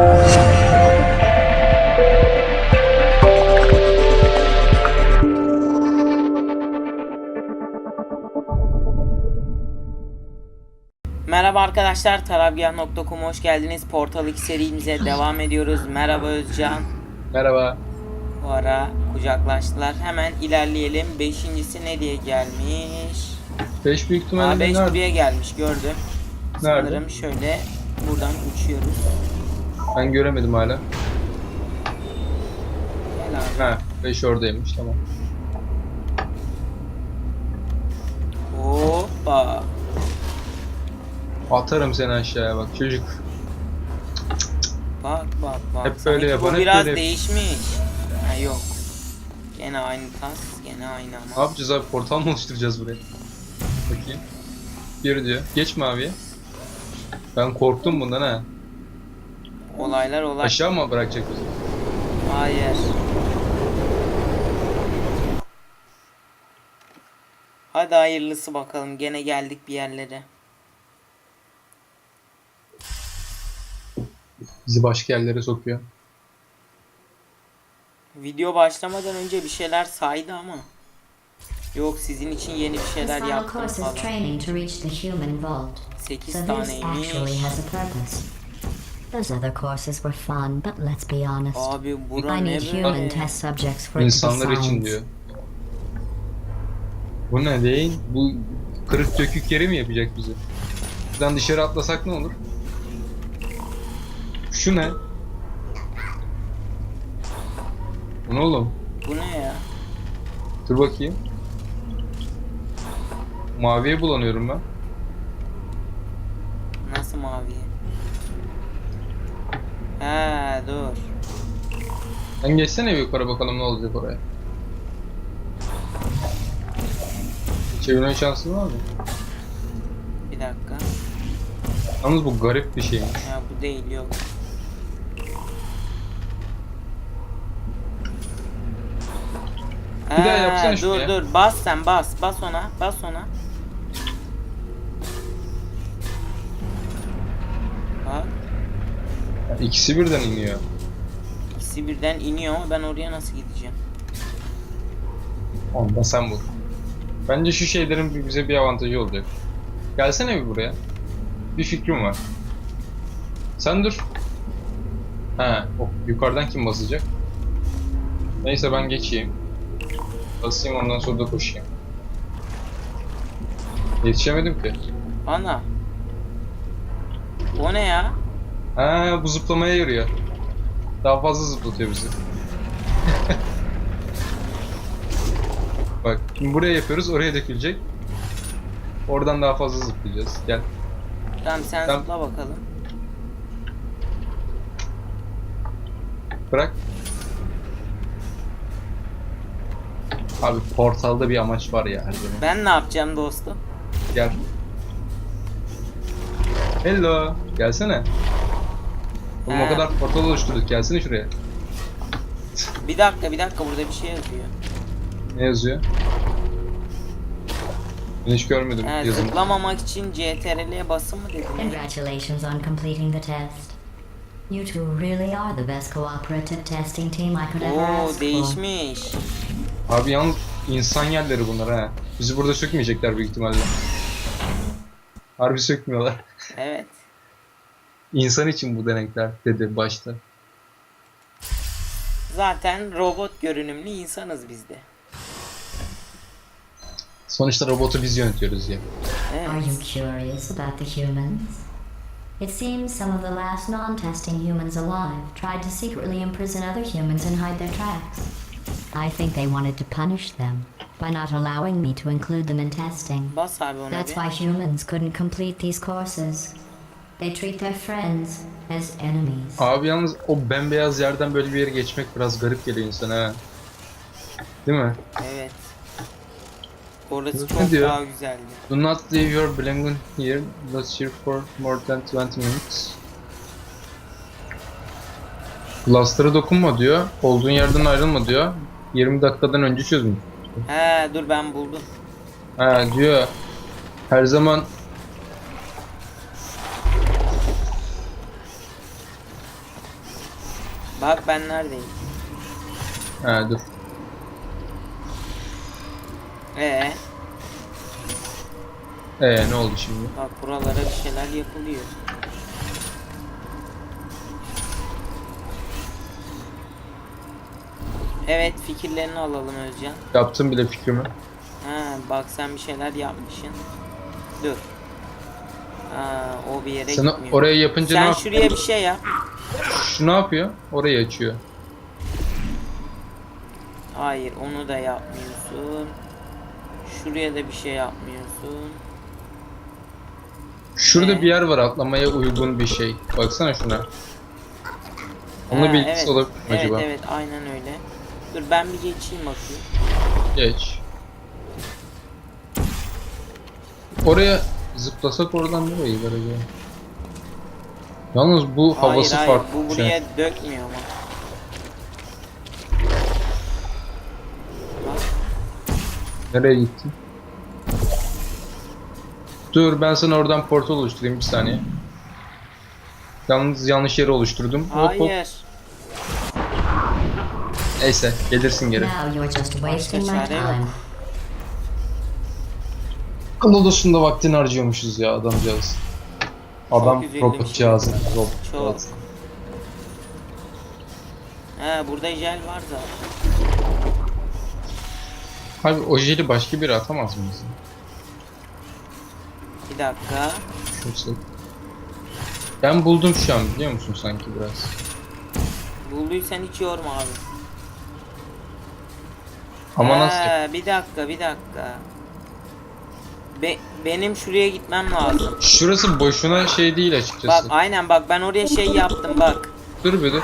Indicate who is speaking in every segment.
Speaker 1: Merhaba arkadaşlar, tarabgah.com'a hoş geldiniz. Portal 2 serimize devam ediyoruz. Merhaba Özcan.
Speaker 2: Merhaba.
Speaker 1: Bu ara kucaklaştılar. Hemen ilerleyelim. Beşincisi ne diye gelmiş?
Speaker 2: 5 büyük ihtimalle
Speaker 1: 5
Speaker 2: nerede?
Speaker 1: buraya gelmiş, gördüm.
Speaker 2: Nerede?
Speaker 1: Sanırım şöyle buradan uçuyoruz.
Speaker 2: Ben göremedim hala.
Speaker 1: Gel abi.
Speaker 2: Ha, 5 oradaymış, tamam.
Speaker 1: Hoppa.
Speaker 2: Atarım seni aşağıya bak çocuk.
Speaker 1: Bak.
Speaker 2: Hep
Speaker 1: Sanki
Speaker 2: böyle yapan,
Speaker 1: bu
Speaker 2: hep
Speaker 1: biraz
Speaker 2: böyle.
Speaker 1: değişmiş. Ha yok. Gene aynı tas, gene aynı
Speaker 2: Ne
Speaker 1: ama.
Speaker 2: yapacağız abi? Portal mı oluşturacağız buraya? Bakayım. Geri diyor. Geç maviye. Ben korktum bundan ha.
Speaker 1: Olaylar.
Speaker 2: Aşağı mı bırakacak bizi?
Speaker 1: Hayır. Hadi hayırlısı bakalım. Gene geldik bir yerlere.
Speaker 2: Bizi başka yerlere sokuyor.
Speaker 1: Video başlamadan önce bir şeyler saydı ama. Yok, sizin için yeni bir
Speaker 3: This
Speaker 1: şeyler
Speaker 3: final
Speaker 1: yaptım
Speaker 3: course is
Speaker 1: falan.
Speaker 3: training to reach the human vault.
Speaker 1: 8
Speaker 3: So this
Speaker 1: taneymiş.
Speaker 3: actually has a purpose. Those other courses were fun, but let's be honest.
Speaker 1: Abi bura
Speaker 3: I
Speaker 1: ne
Speaker 3: need human
Speaker 1: böyle?
Speaker 3: test subjects for it to be
Speaker 2: İnsanlar için
Speaker 3: science.
Speaker 2: diyor. Bu ne değil? Bu kırık dökük yeri mi yapacak bizi? Buradan dışarı atlasak ne olur? Şu ne? Bu ne oğlum?
Speaker 1: Bu ne ya?
Speaker 2: Dur bakayım. Maviye bulanıyorum ben.
Speaker 1: Nasıl mavi? He dur.
Speaker 2: Sen geçsene bir yukarı bakalım ne olacak oraya. Çevirme şansın var mı?
Speaker 1: Bir dakika.
Speaker 2: Yalnız bu garip bir şeymiş.
Speaker 1: Ya bu değil, yok.
Speaker 2: Bir daha yapsana şunu ya.
Speaker 1: Dur bas sen, bas ona. Bak,
Speaker 2: Yani ikisi birden iniyor.
Speaker 1: ikisi birden iniyor ama ben oraya nasıl gideceğim?
Speaker 2: Onda sen vur. Bence şu şeylerin bize bir avantajı olacak. Gelsene bir buraya. Bir fikrim var. Sen dur. He, yukarıdan kim basacak? Neyse ben geçeyim. Basayım ondan sonra da koşayım. Yetişemedim ki.
Speaker 1: Ana. O ne ya?
Speaker 2: Ha, bu zıplamaya yarıyor. Daha fazla zıplatıyor bizi. Bak, şimdi buraya yapıyoruz, oraya dökülecek. Oradan daha fazla zıplayacağız. Gel.
Speaker 1: Tamam sen
Speaker 2: Tamam.
Speaker 1: zıpla bakalım.
Speaker 2: Bırak. Abi portalda bir amaç var ya her zaman.
Speaker 1: Ben ne yapacağım dostum?
Speaker 2: Gel. Hello. Gelsene. Oğlum
Speaker 1: He.
Speaker 2: o kadar portal oluşturduk. Gelsene şuraya.
Speaker 1: Bir dakika burada bir şey yazıyor.
Speaker 2: Ne yazıyor? Ben hiç görmedim yazımı.
Speaker 1: Zıplamamak için CTRL'ye basın mı dedin?
Speaker 3: Congratulations on completing the test. You two really are the best cooperative testing team I could ever
Speaker 1: Oo
Speaker 3: ask for.
Speaker 1: değişmiş.
Speaker 2: Abi yalnız insan yerleri bunlar ha. Bizi burada sökmeyecekler büyük ihtimalle. Harbi sökmüyorlar.
Speaker 1: Evet.
Speaker 2: İnsan için bu denekler dedi başta.
Speaker 1: Zaten robot görünümlü insanız biz de.
Speaker 2: Sonuçta robotu biz yönetiyoruz ya.
Speaker 3: Are you
Speaker 1: Evet.
Speaker 3: curious about the humans? It seems some of the last non-testing humans alive tried to secretly imprison other humans and hide their tracks. I think they wanted to punish them by not allowing me to include them in testing.
Speaker 1: Bas abi ona
Speaker 3: That's
Speaker 1: bir.
Speaker 3: why humans couldn't complete these courses. They treat their friends as enemies.
Speaker 2: Abi yalnız o bembeyaz yerden böyle bir yere geçmek biraz garip geliyor insana ha. Değil mi?
Speaker 1: Evet. Orası
Speaker 2: Ne
Speaker 1: çok
Speaker 2: diyor?
Speaker 1: daha güzeldi.
Speaker 2: Do not leave your belongings here. Let's here for more than 20 minutes. Cluster'a dokunma diyor. Olduğun yerden ayrılma diyor. 20 dakikadan önce çözüm.
Speaker 1: He dur ben buldum.
Speaker 2: Ha diyor. Her zaman
Speaker 1: Bak ben neredeyim?
Speaker 2: He dur.
Speaker 1: Ee,
Speaker 2: Ne oldu şimdi?
Speaker 1: bak buralara bir şeyler yapılıyor. Evet, fikirlerini alalım Özcan.
Speaker 2: Yaptım bile fikrimi.
Speaker 1: Ha, bak sen bir şeyler yapmışsın. Dur. Ha, o bir yere
Speaker 2: Sen
Speaker 1: gitmiyor.
Speaker 2: oraya yapınca ne
Speaker 1: Sen
Speaker 2: yapıyor?
Speaker 1: şuraya bir şey yap.
Speaker 2: Şu ne yapıyor? Orayı açıyor.
Speaker 1: Hayır, onu da yapmıyorsun. Şuraya da bir şey yapmıyorsun.
Speaker 2: Şurada bir yer var atlamaya uygun bir şey. Baksana şuna. Onunla
Speaker 1: Ha,
Speaker 2: bir ilgisi
Speaker 1: evet.
Speaker 2: olabilir mi
Speaker 1: Evet,
Speaker 2: acaba?
Speaker 1: evet, aynen öyle. Dur ben bir geçeyim bakayım.
Speaker 2: Geç. Oraya zıplasak oradan nereye gider acaba? Yalnız bu havası
Speaker 1: hayır,
Speaker 2: farklı.
Speaker 1: bu
Speaker 2: bir şey.
Speaker 1: buraya dökmüyor ama. Bak,
Speaker 2: Nereye gittin? Dur ben sana oradan portal oluşturayım bir saniye. Yalnız yanlış yeri oluşturdum. Hop hop.
Speaker 1: hayır.
Speaker 2: Neyse gelirsin geri.
Speaker 3: Now you're just wasting my
Speaker 1: çare yok.
Speaker 3: time.
Speaker 2: Kanalosunda vaktini harcıyormuşuz ya adamcağız. Adam
Speaker 1: üzüldüm
Speaker 2: robotcağızı.
Speaker 1: Çok.
Speaker 2: Robotcağız.
Speaker 1: He, burada jel var zaten.
Speaker 2: Abi o jeli başka biri atamaz mı bize?
Speaker 1: Bir dakika.
Speaker 2: Şurası. Ben buldum şu an biliyor musun sanki biraz.
Speaker 1: Bulduysan hiç yorma abi.
Speaker 2: Ama nasıl yap-
Speaker 1: Bir dakika. Benim şuraya gitmem lazım.
Speaker 2: Şurası boşuna şey değil
Speaker 1: Bak
Speaker 2: açıkçası.
Speaker 1: aynen bak ben oraya şey yaptım bak.
Speaker 2: Dur bir dur.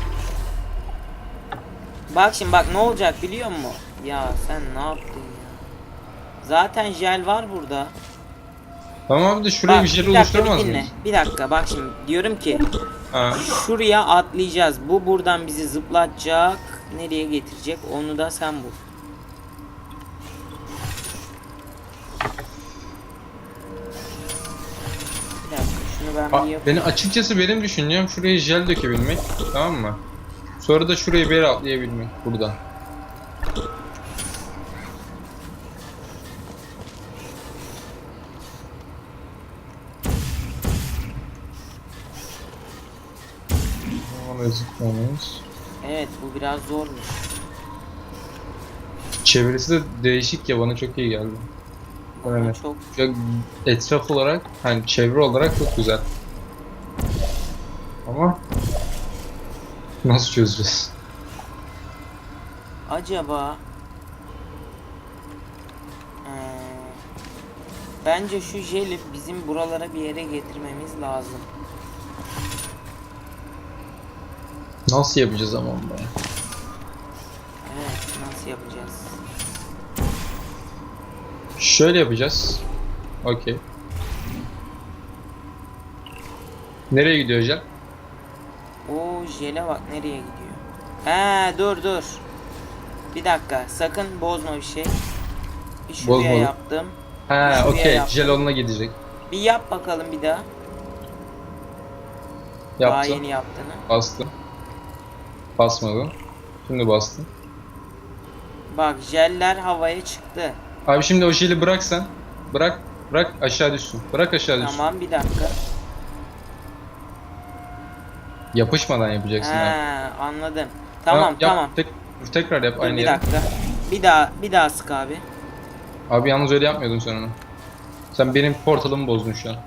Speaker 1: Bak şimdi bak ne olacak biliyor musun? Ya sen ne yaptın ya? Zaten jel var burada.
Speaker 2: Tamam abi de şuraya bir jel
Speaker 1: dakika,
Speaker 2: oluşturamaz
Speaker 1: bir dinle.
Speaker 2: mıyız?
Speaker 1: Bir dakika bak şimdi diyorum ki
Speaker 2: Ha.
Speaker 1: şuraya atlayacağız. Bu buradan bizi zıplatacak. Nereye getirecek onu da sen bul. Bir dakika şunu ben bir yapayım.
Speaker 2: Beni açıkçası benim düşüncem şuraya jel dökebilmek. Tamam mı? Sonra da şuraya bir yere atlayabilmek buradan. Ona zıplamayız.
Speaker 1: Evet bu biraz zormuş.
Speaker 2: Çevresi de değişik ya bana çok iyi geldi.
Speaker 1: Ama
Speaker 2: Evet.
Speaker 1: çok
Speaker 2: Ya etraf olarak hani çevre olarak çok güzel. Ama nasıl çözeceğiz?
Speaker 1: acaba bence şu jeli bizim buralara bir yere getirmemiz lazım.
Speaker 2: Nasıl yapacağız ama onu?
Speaker 1: Evet nasıl yapacağız?
Speaker 2: Şöyle yapacağız. Okey. Nereye gidiyor hocam?
Speaker 1: O jele bak nereye gidiyor. He dur. Bir dakika sakın bozma bir şey. Bir şuraya
Speaker 2: Bozmadım.
Speaker 1: yaptım.
Speaker 2: Ha
Speaker 1: Şuraya
Speaker 2: okey.
Speaker 1: yaptım.
Speaker 2: Jel onunla gidecek.
Speaker 1: Bir yap bakalım bir daha. Daha
Speaker 2: Yaptım.
Speaker 1: yeni yaptığını.
Speaker 2: Bastım. Basmadım. Şimdi bastım.
Speaker 1: Bak jeller havaya çıktı.
Speaker 2: Abi şimdi o jeli bırak sen. Bırak. Bırak aşağı düşsün. Bırak aşağı düşsün.
Speaker 1: Tamam bir dakika.
Speaker 2: Yapışmadan yapacaksın
Speaker 1: He
Speaker 2: abi.
Speaker 1: anladım. Tamam
Speaker 2: Yap,
Speaker 1: tamam.
Speaker 2: tekrar yap
Speaker 1: Dur
Speaker 2: aynı
Speaker 1: bir
Speaker 2: yere.
Speaker 1: dakika. Bir daha sık abi.
Speaker 2: Abi yalnız öyle yapmıyordun sen onu. Sen benim portalımı bozdun şu an.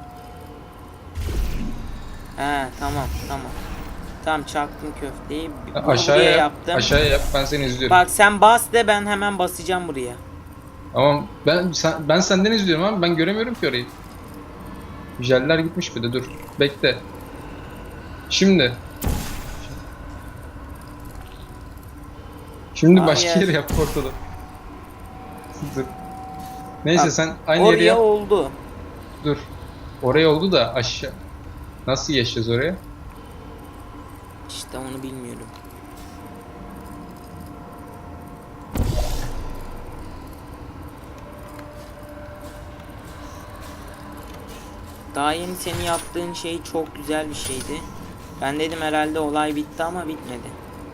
Speaker 1: He tamam. Tam çaktım köfteyi. Bunu
Speaker 2: Aşağıya
Speaker 1: buraya
Speaker 2: yap.
Speaker 1: yaptım.
Speaker 2: Aşağıya yap. Ben seni izliyorum.
Speaker 1: Bak sen bas de ben hemen basacağım buraya.
Speaker 2: Ama ben senden izliyorum ama ben göremiyorum ki orayı. Jeller gitmiş bir de dur. Bekle. Şimdi başka
Speaker 1: Hayır.
Speaker 2: yere yap portalı. Dur. Neyse
Speaker 1: Bak,
Speaker 2: sen aynı yere
Speaker 1: Oraya
Speaker 2: yap.
Speaker 1: oldu.
Speaker 2: Dur. Oraya oldu da aşağı. Nasıl geçeceğiz oraya?
Speaker 1: İşte onu bilmiyorum. Daha yeni senin yaptığın şey çok güzel bir şeydi. Ben dedim herhalde olay bitti ama bitmedi.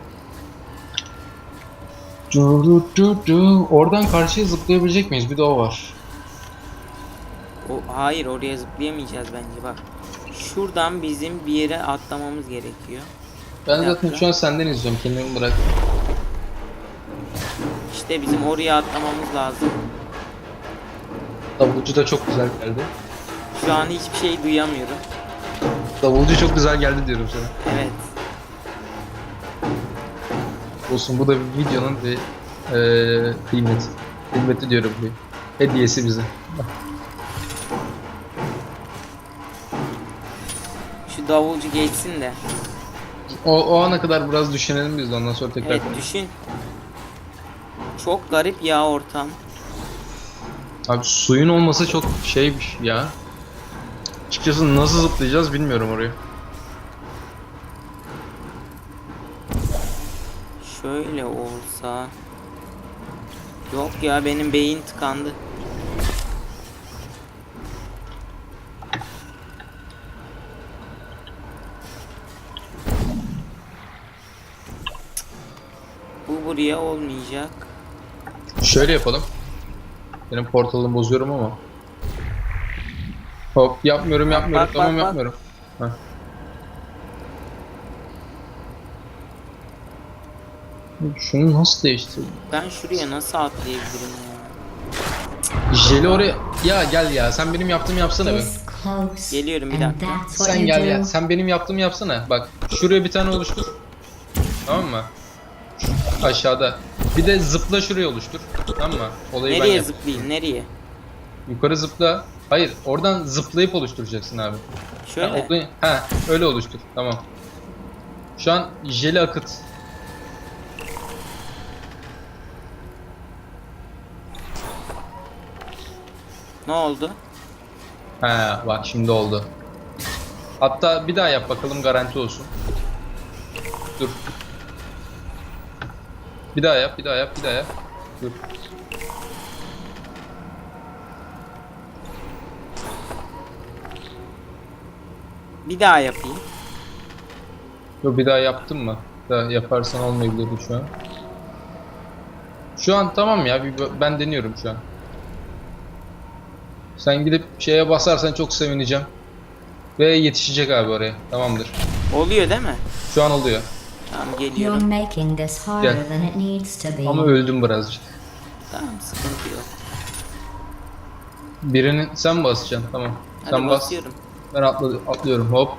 Speaker 2: Oradan karşıya zıplayabilecek miyiz? Bir de o var.
Speaker 1: Hayır, oraya zıplayamayacağız bence bak. Şuradan bizim bir yere atlamamız gerekiyor.
Speaker 2: Ben
Speaker 1: Bir
Speaker 2: zaten
Speaker 1: dakika.
Speaker 2: şu an senden izliyorum. Kendimi bırak.
Speaker 1: İşte bizim oraya atlamamız lazım.
Speaker 2: Davulcu da çok güzel geldi.
Speaker 1: Şu an hiçbir şey duyamıyorum.
Speaker 2: Davulcu çok güzel geldi diyorum sana.
Speaker 1: Evet.
Speaker 2: Olsun, bu da bir videonun bir kıymeti. Kıymeti diyorum bir. Hediyesi bize.
Speaker 1: Şu davulcu geçsin de.
Speaker 2: O ana kadar biraz düşünelim biz de, ondan sonra tekrar
Speaker 1: Evet,
Speaker 2: konuşalım.
Speaker 1: düşün. Çok garip ya ortam.
Speaker 2: Abi suyun olması çok şeymiş ya. Açıkçası nasıl zıplayacağız bilmiyorum oraya.
Speaker 1: Şöyle olsa. Yok ya, benim beyin tıkandı. Bu buraya olmayacak.
Speaker 2: Şöyle yapalım. Benim portalımı bozuyorum ama. Hop, yapmıyorum
Speaker 1: Bak,
Speaker 2: yapmıyorum,
Speaker 1: bak,
Speaker 2: tamam
Speaker 1: bak, bak.
Speaker 2: yapmıyorum. Heh. Şunu nasıl değiştirdim?
Speaker 1: Ben şuraya nasıl atlayabilirim ya?
Speaker 2: Jeli oraya... Ya gel ya, sen benim yaptığımı yapsana be.
Speaker 3: This close.
Speaker 1: Geliyorum, bir
Speaker 3: And
Speaker 1: dakika.
Speaker 3: that's what
Speaker 2: Sen
Speaker 3: you
Speaker 2: gel
Speaker 3: do.
Speaker 2: ya, sen benim yaptığımı yapsana. Bak şuraya bir tane oluştur. Tamam mı? Şu aşağıda. Bir de zıpla şuraya oluştur. Tamam mı? Olayı ben
Speaker 1: Nereye
Speaker 2: yap.
Speaker 1: zıplayayım, nereye?
Speaker 2: Yukarı zıpla. Hayır, oradan zıplayıp oluşturacaksın abi.
Speaker 1: Şöyle.
Speaker 2: Ha, öyle oluştur. Tamam. Şu an jeli akıt.
Speaker 1: Ne oldu?
Speaker 2: Ha, bak şimdi oldu. Hatta bir daha yap bakalım, garanti olsun. Dur. Bir daha yap, bir daha yap, bir daha yap. Dur.
Speaker 1: Bir daha yapayım.
Speaker 2: Dur, bir daha yaptın mı? Bir daha yaparsan olmayabilirdi şu an. Şu an tamam ya, ben deniyorum şu an. Sen gidip şeye basarsan çok sevineceğim. Ve yetişecek abi oraya. Tamamdır.
Speaker 1: Oluyor değil mi?
Speaker 2: Şu an oluyor.
Speaker 1: Tamam,
Speaker 3: You're
Speaker 1: geliyorum.
Speaker 3: making this harder
Speaker 2: Yeah.
Speaker 3: than it needs to be.
Speaker 2: Ama öldüm birazcık.
Speaker 1: Tamam, sıkıntı yok.
Speaker 2: Birinin sen basacaksın, tamam.
Speaker 1: Hadi
Speaker 2: Sen bas.
Speaker 1: basıyorum.
Speaker 2: Ben atlıyorum, hop.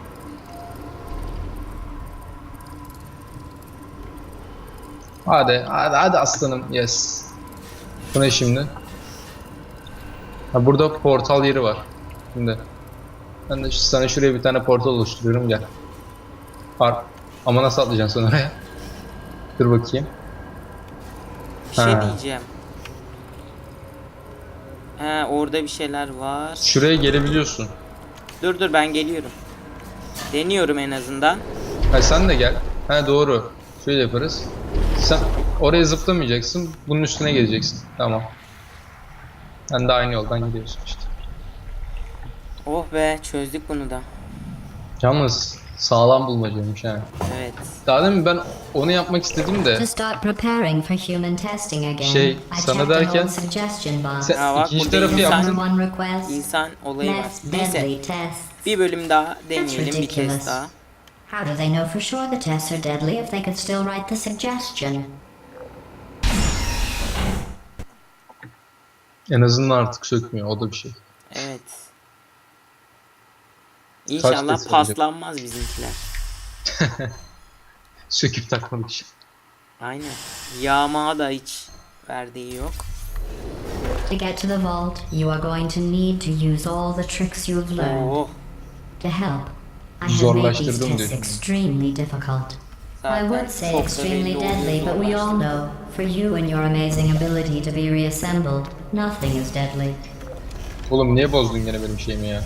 Speaker 2: Hadi aslanım, yes. Bu ne şimdi? Ha, burada portal yeri var. Şimdi. Ben de sana şuraya bir tane portal oluşturuyorum, gel. Ama nasıl atlayacaksın sen oraya? Dur bakayım.
Speaker 1: Bir şey
Speaker 2: Ha.
Speaker 1: diyeceğim. He, orada bir şeyler var.
Speaker 2: Şuraya gelebiliyorsun.
Speaker 1: Dur, ben geliyorum. Deniyorum en azından.
Speaker 2: Ha, sen de gel. Ha, doğru. Şöyle yaparız. Sen oraya zıplamayacaksın. Bunun üstüne geleceksin. Tamam. Sen de aynı yoldan gidiyorsun işte.
Speaker 1: Oh be, çözdük bunu da.
Speaker 2: Yalnız sağlam bulmacaymış ha.
Speaker 1: Evet.
Speaker 2: Daha demin ben onu yapmak istedim de
Speaker 3: To start preparing for human testing again,
Speaker 2: Şey,
Speaker 3: I
Speaker 2: sana
Speaker 3: checked an
Speaker 2: derken-
Speaker 3: old suggestion box.
Speaker 2: sen
Speaker 1: Ha, bak,
Speaker 2: ikinci
Speaker 1: burada
Speaker 2: tarafı
Speaker 1: insan-
Speaker 2: yaptın.
Speaker 3: Number one request.
Speaker 1: İnsan olayı var.
Speaker 3: Less
Speaker 1: Neyse,
Speaker 3: deadly tests.
Speaker 1: bir bölüm daha deneyelim, bir
Speaker 3: ridiculous.
Speaker 1: test daha.
Speaker 3: How do they know for sure the tests are deadly if they could still write the suggestion?
Speaker 2: En azından artık sökmüyor, o da bir şey.
Speaker 1: Evet. İnşallah
Speaker 2: test
Speaker 1: paslanmaz bizimkiler.
Speaker 2: Söküp takmadık için.
Speaker 1: Aynen. Yağma da hiç verdiği yok.
Speaker 3: To get to the vault, you are going to need to use all the tricks you've learned.
Speaker 1: Oh.
Speaker 3: To help, I have made these
Speaker 2: Zorlaştırdım
Speaker 3: tests
Speaker 2: diyorsun.
Speaker 3: extremely difficult. I
Speaker 1: Zaten
Speaker 3: would say
Speaker 1: çok da
Speaker 3: extremely
Speaker 1: belli
Speaker 3: deadly,
Speaker 1: oluyor
Speaker 3: but we all
Speaker 1: zorlaştı.
Speaker 3: know, for you and your amazing ability to be reassembled, nothing is deadly.
Speaker 2: Oğlum niye bozdun gene benim şeyimi ya?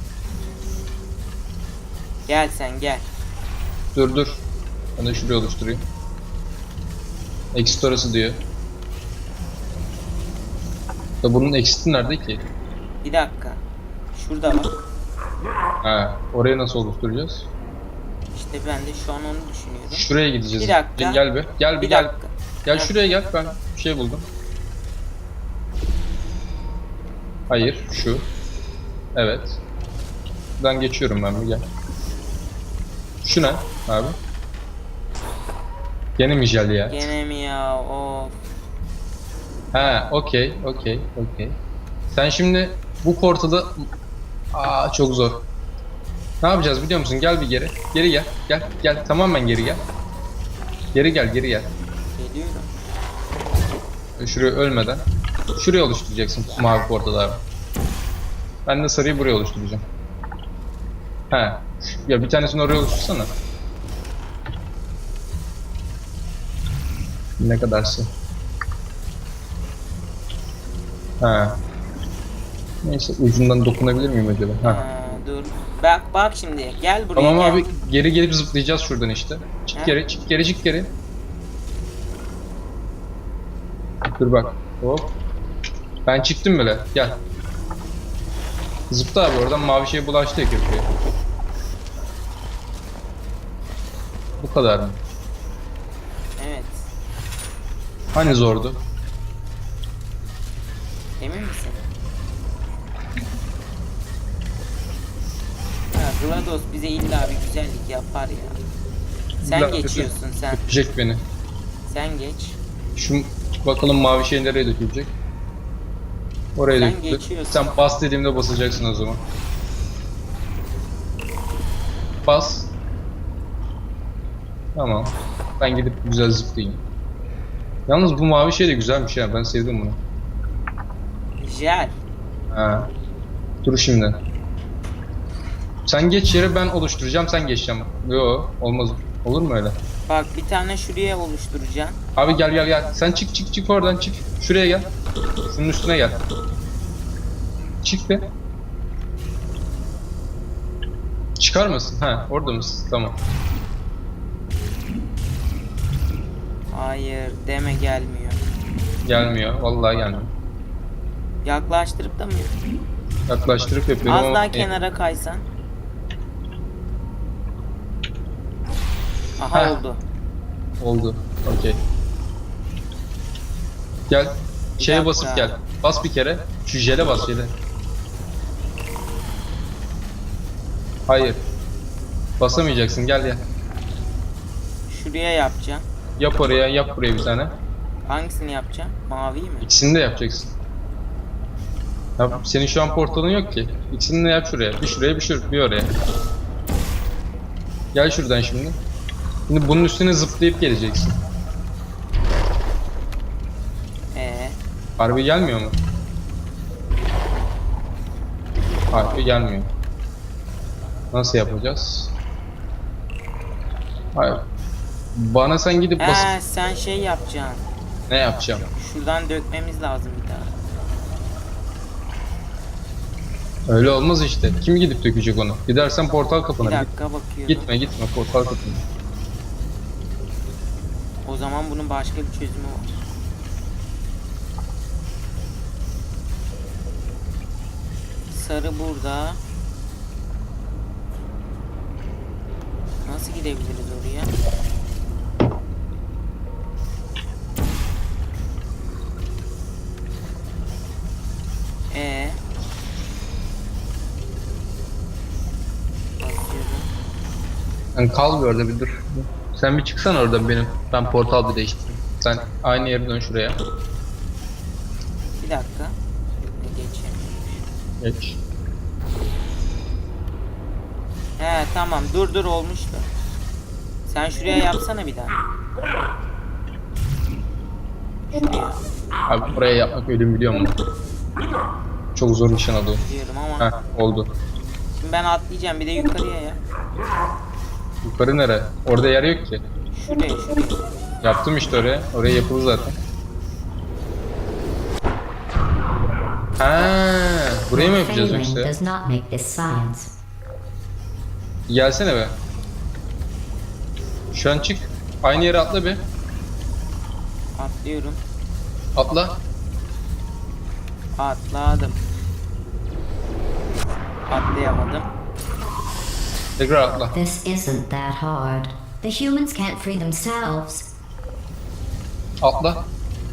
Speaker 1: Gel sen gel.
Speaker 2: Dur. Ben de şuraya oluşturayım. Exit orası diyor. Da bunun exit'i nerede ki?
Speaker 1: Bir dakika. Şurada bak.
Speaker 2: Ha, orayı nasıl oluşturacağız?
Speaker 1: İşte İşte ben de şu an onu düşünüyorum.
Speaker 2: Şuraya gideceğiz.
Speaker 1: Bir dakika.
Speaker 2: Gel bir. Gel bir
Speaker 1: Bir
Speaker 2: gel.
Speaker 1: dakika.
Speaker 2: Gel
Speaker 1: Heh.
Speaker 2: şuraya gel. Ben bir şey buldum. Hayır, şu. Evet. Buradan geçiyorum ben bir gel. Şu ne abi? Gene mi jel ya?
Speaker 1: Gene mi ya? Of.
Speaker 2: Ha, okey. Sen şimdi bu portada... Aa, çok zor. Ne yapacağız biliyor musun? Gel bir geri. Geri gel. Gel. Tamamen geri gel. Geri gel.
Speaker 1: Geliyorum.
Speaker 2: Şuraya ölmeden. Şuraya oluşturacaksın mavi portaları. Ben de sarıyı buraya oluşturacağım. He. Ya bir tanesini oraya oluştursana. Ne kadarsı? Ha. Neyse ucundan dokunabilir miyim acaba? Ha.
Speaker 1: Dur. Bak şimdi. Gel buraya.
Speaker 2: Tamam
Speaker 1: gel.
Speaker 2: abi geri gelip zıplayacağız şuradan işte. Çık
Speaker 1: Ha?
Speaker 2: geri, çık geri. Dur bak. Hop. Ben çıktım bile. Gel. Zıpla abi oradan mavi şey bulaştı ya köprüye. Bu kadar mı?
Speaker 1: Evet.
Speaker 2: Hani zordu?
Speaker 1: Emin misin? Ha, GLaDOS bize illa bir güzellik yapar ya. Sen
Speaker 2: İlla
Speaker 1: geçiyorsun sen.
Speaker 2: Öpecek beni.
Speaker 1: Sen geç.
Speaker 2: Şu bakalım mavi şey nereye dökülecek? Oraya
Speaker 1: Sen
Speaker 2: döküldü.
Speaker 1: geçiyorsun.
Speaker 2: Sen bas dediğimde basacaksın o zaman. Bas. Tamam. Ben gidip güzel zıplayayım. Yalnız bu mavi şey de güzelmiş ya. Ben sevdim bunu.
Speaker 1: Jel.
Speaker 2: Ha. Dur şimdi. Sen geç yere ben oluşturacağım, sen geçeceğim. Yo, olmaz. Olur mu öyle?
Speaker 1: Bak bir tane şuraya oluşturacağım.
Speaker 2: Abi gel. Sen çık oradan çık. Şuraya gel. Şunun üstüne gel. Çık be. Çıkar mısın? Ha, orada mısın? Tamam.
Speaker 1: Hayır deme gelmiyor.
Speaker 2: Gelmiyor. Vallahi gelmiyor.
Speaker 1: Yaklaştırıp da mı?
Speaker 2: Yaklaştırıp yapıyorum
Speaker 1: Az
Speaker 2: ama...
Speaker 1: daha kenara kaysan. Aha
Speaker 2: Heh.
Speaker 1: oldu.
Speaker 2: Oldu. Okey. Gel. Şeye
Speaker 1: dakika.
Speaker 2: basıp gel. Bas bir kere. Şu jele bas jele. Hayır. Basamayacaksın. Gel.
Speaker 1: Şuraya yapacağım.
Speaker 2: Yap oraya, yap buraya bir tane.
Speaker 1: Hangisini yapacağım? Mavi mi?
Speaker 2: İkisini de yapacaksın. Ya senin şu an portalın yok ki. İkisini de yap şuraya. Bir şuraya, bir oraya. Gel şuradan şimdi. Şimdi bunun üstüne zıplayıp geleceksin. Harbi gelmiyor mu? Harbi gelmiyor. Nasıl yapacağız? Hayır. Bana sen gidip basıp...
Speaker 1: Sen şey yapacaksın.
Speaker 2: Ne yapacağım?
Speaker 1: Şuradan dökmemiz lazım bir daha.
Speaker 2: Öyle olmaz işte. Kim gidip dökecek onu? Gidersen portal
Speaker 1: Bir
Speaker 2: kapına.
Speaker 1: dakika bakıyorum.
Speaker 2: Gitme portal kapına.
Speaker 1: O zaman bunun başka bir çözümü var. Sarı burada. Nasıl gidebiliriz oraya? Basıyorum.
Speaker 2: Sen kal bir orada bir dur. Sen bir çıksan oradan benim. Ben portal bir değiştireyim. Sen aynı yere dön şuraya.
Speaker 1: Bir dakika. Geçeyim.
Speaker 2: Geç.
Speaker 1: Tamam dur olmuştu. Sen şuraya yapsana bir daha. Şuraya
Speaker 2: Abi buraya yapmak ölüm biliyor musun? Çok zor nişan alıyor.
Speaker 1: diyorum ama.
Speaker 2: Heh, oldu.
Speaker 1: Şimdi ben atlayacağım bir de yukarıya ya.
Speaker 2: Yukarı nere? Orada yer yok ki.
Speaker 1: Şuraya.
Speaker 2: Yaptım işte oraya. Oraya yapıldı zaten. Ha, burayı mı yapacağız
Speaker 3: Failing
Speaker 2: yoksa?
Speaker 3: does not make this science.
Speaker 2: Gelsene be. Şu an çık. Aynı yere atla bir.
Speaker 1: Atlıyorum.
Speaker 2: Atla.
Speaker 1: Atladım. Atlayamadım.
Speaker 2: Tekrar atla.
Speaker 3: This isn't that hard. The humans can't free themselves.
Speaker 2: Atla.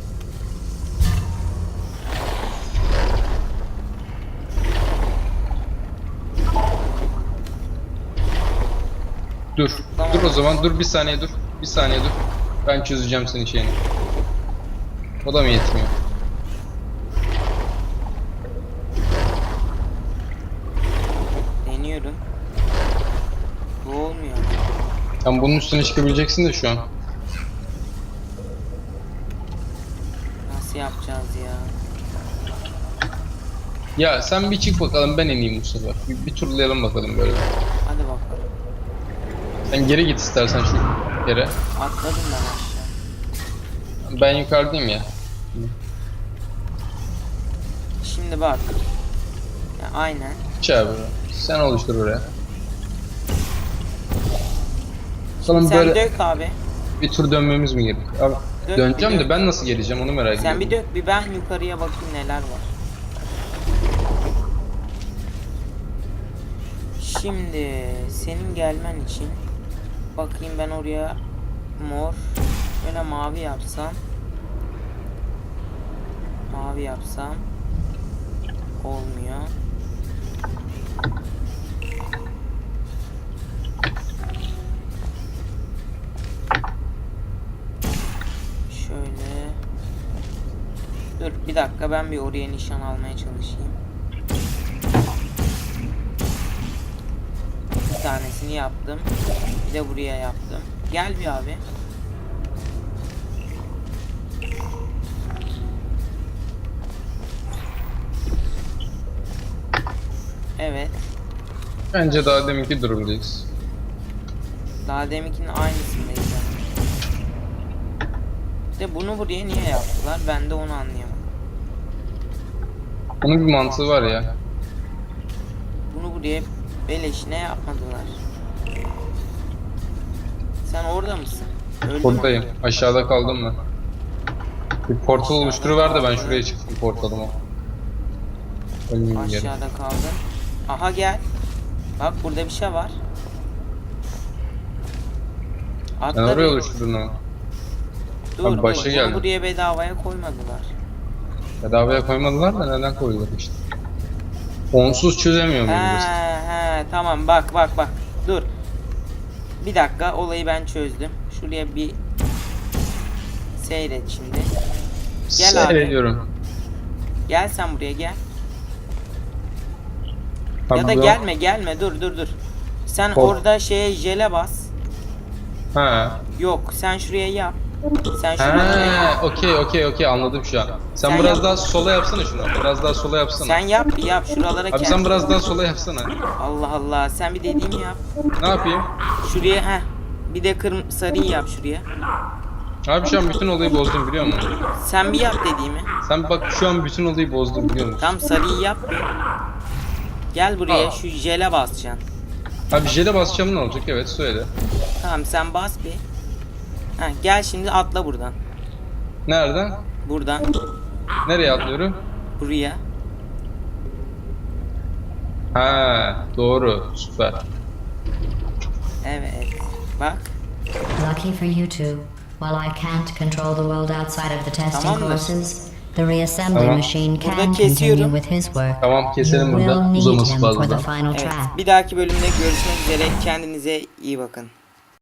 Speaker 2: Dur.
Speaker 1: Tamam.
Speaker 2: Dur o zaman. Dur bir saniye dur. Bir saniye dur. Ben çözeceğim senin şeyini. O da mı yetmiyor?
Speaker 1: Deniyorum. Bu olmuyor.
Speaker 2: Sen bunun üstüne çıkabileceksin de şu an.
Speaker 1: Nasıl yapacağız ya?
Speaker 2: Ya sen bir çık bakalım, ben ineyim bu sefer. Bir turlayalım bakalım böyle.
Speaker 1: Hadi bakalım.
Speaker 2: Sen geri git istersen şu yere.
Speaker 1: Atladım ben aşağı.
Speaker 2: Ben yukarıdayım ya.
Speaker 1: Şimdi bak. Ya, aynen.
Speaker 2: Çağır. Sen oluştur oraya. Bakalım
Speaker 1: Sen
Speaker 2: böyle
Speaker 1: dök abi.
Speaker 2: bir tur dönmemiz mi gerekiyor? Abi,
Speaker 1: Dök,
Speaker 2: döneceğim
Speaker 1: bir
Speaker 2: de
Speaker 1: dök.
Speaker 2: ben nasıl geleceğim onu merak ediyorum.
Speaker 1: Sen bir dök, bir ben yukarıya bakayım neler var. Şimdi senin gelmen için bakayım ben oraya mor, böyle mavi yapsam. Mavi yapsam olmuyor. Şöyle. Dur bir dakika, ben bir oraya nişan almaya çalışayım. Bir tanesini yaptım. Bir de buraya yaptım. Gel bir abi. Evet.
Speaker 2: Bence daha deminki durumdayız.
Speaker 1: Daha deminkinin aynısındayız. De bunu buraya niye yaptılar? Ben de onu anlayamadım.
Speaker 2: Onun bir mantığı var ya.
Speaker 1: Bunu buraya beleşine yapmadılar. Sen orada mısın? Öldün mü?
Speaker 2: Buradayım. Aşağıda kaldım ben. Bir portal
Speaker 1: Aşağıda
Speaker 2: oluşturuver de ben
Speaker 1: kaldım.
Speaker 2: şuraya çıktım portalıma. Ölmeyeyim geri.
Speaker 1: Aşağıda kaldın. Aha gel. Bak burada bir şey var.
Speaker 2: Sen
Speaker 1: Atla
Speaker 2: oraya
Speaker 1: bir.
Speaker 2: oluşturdun ama.
Speaker 1: Dur
Speaker 2: Abi
Speaker 1: dur.
Speaker 2: başa
Speaker 1: Bunu
Speaker 2: geldi.
Speaker 1: buraya bedavaya koymadılar.
Speaker 2: Bedavaya koymadılar da neden koydular işte. Onsuz çözemiyor
Speaker 1: He
Speaker 2: muyuz?
Speaker 1: he tamam, bak bak bak. Dur. Bir dakika, olayı ben çözdüm. Şuraya bir seyret şimdi. Gel abi.
Speaker 2: Seyrediyorum.
Speaker 1: Gel sen buraya gel.
Speaker 2: Abi
Speaker 1: Ya da
Speaker 2: bu-
Speaker 1: gelme dur. Sen
Speaker 2: Hop.
Speaker 1: orada şeye jele bas.
Speaker 2: Ha.
Speaker 1: Yok, sen şuraya yap. Sen şuraya
Speaker 2: Ha, okey anladım şu an. Sen
Speaker 1: Sen
Speaker 2: biraz
Speaker 1: yap.
Speaker 2: daha sola yapsana şunu. Biraz daha sola yapsana.
Speaker 1: sen yap bir yap şuralara
Speaker 2: Abi
Speaker 1: gel.
Speaker 2: sen biraz daha sola yapsana.
Speaker 1: Allah Allah, sen bir dediğimi yap.
Speaker 2: Ne yapayım?
Speaker 1: Şuraya bir de sarıyı yap şuraya.
Speaker 2: Abi şu an bütün olayı bozdum biliyor musun?
Speaker 1: Sen bir yap dediğimi.
Speaker 2: Sen bak şu an bütün olayı bozdum biliyor musun?
Speaker 1: Tam sarıyı yap bir. Gel buraya,
Speaker 2: Aa.
Speaker 1: şu jele basacaksın.
Speaker 2: Abi jele basacağım ne olacak? Evet söyle.
Speaker 1: Tamam sen bas bir. Gel şimdi atla buradan.
Speaker 2: Nereden?
Speaker 1: Buradan
Speaker 2: Nereye atlıyorum?
Speaker 1: buraya.
Speaker 2: Ha, doğru. Süper.
Speaker 1: Evet. Bak.
Speaker 3: Lucky for you two, while I can't control the world outside of the testing
Speaker 1: Tamamdır.
Speaker 3: courses, the reassembly
Speaker 2: Tamam.
Speaker 3: machine
Speaker 1: Burada
Speaker 3: can continue
Speaker 1: kesiyorum.
Speaker 3: with his work.
Speaker 2: Tamam keselim
Speaker 3: You will
Speaker 2: burada.
Speaker 3: need
Speaker 2: Uzaması
Speaker 3: him for
Speaker 2: fazla.
Speaker 3: the final
Speaker 1: Evet.
Speaker 3: track.
Speaker 1: Bir dahaki bölümde görüşmek üzere. Kendinize iyi bakın.